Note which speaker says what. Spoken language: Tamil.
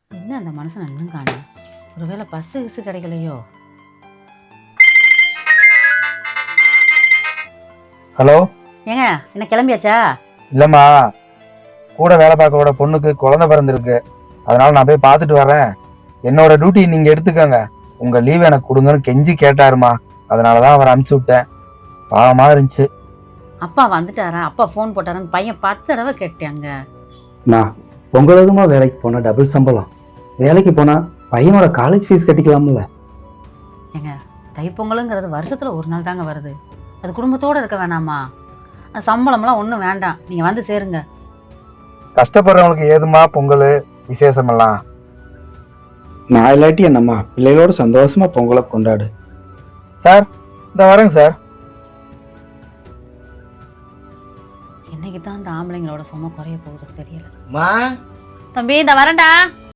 Speaker 1: என்ன அந்த மனுஷன் இன்னும் காணும்? ஒருவேளை பஸ்ஸு கிசு கிடைக்கலையோ?
Speaker 2: ஹலோ
Speaker 1: ஏங்க என்ன கிளம்பியாச்சா?
Speaker 2: இல்லைம்மா, கூட வேலை பார்க்கவோட பொண்ணுக்கு குழந்தை பிறந்திருக்கு. அதனால நான் போய் பார்த்துட்டு வரேன். என்னோட டியூட்டி நீங்கள் எடுத்துக்கோங்க. உங்கள் லீவ் எனக்கு கொடுங்கன்னு கெஞ்சி கேட்டாருமா. அதனால தான் அவரை அனுப்பிச்சி விட்டேன். பாவமாக இருந்துச்சு.
Speaker 1: அப்பா வந்துட்டாரா? அப்பா ஃபோன் போட்டாரான்னு பையன் 10 தடவை கேட்டாங்க.
Speaker 3: நான் உங்களதுமா வேலைக்கு போனால் டபுள் சம்பளம். வேலைக்கு போனால் பையனோட காலேஜ் ஃபீஸ் கட்டிக்கலாம்ல.
Speaker 1: ஏங்க தைப்பொங்கலுங்கிறது வருஷத்தில் ஒரு நாள் தாங்க வருது. அது குடும்பத்தோடு இருக்க வேணாமா? அது சம்பளம்லாம் ஒன்றும் வேண்டாம், நீங்கள் வந்து சேருங்க.
Speaker 2: கஷ்டப்படுறவங்களுக்கு ஏதுமா பொங்கல் விசேஷமெல்லாம்?
Speaker 3: நான் இல்லாட்டி என்னம்மா, பிள்ளைகளோட சந்தோஷமா பொங்கலை கொண்டாடு.
Speaker 2: சார் இந்த வரேங்க சார்.
Speaker 1: என்னைக்கு தான் அந்த ஆம்பளைங்களோட சும்மா குறைய போகுது தெரியல.
Speaker 4: மா
Speaker 1: தம்பி இந்த வரேன்டா.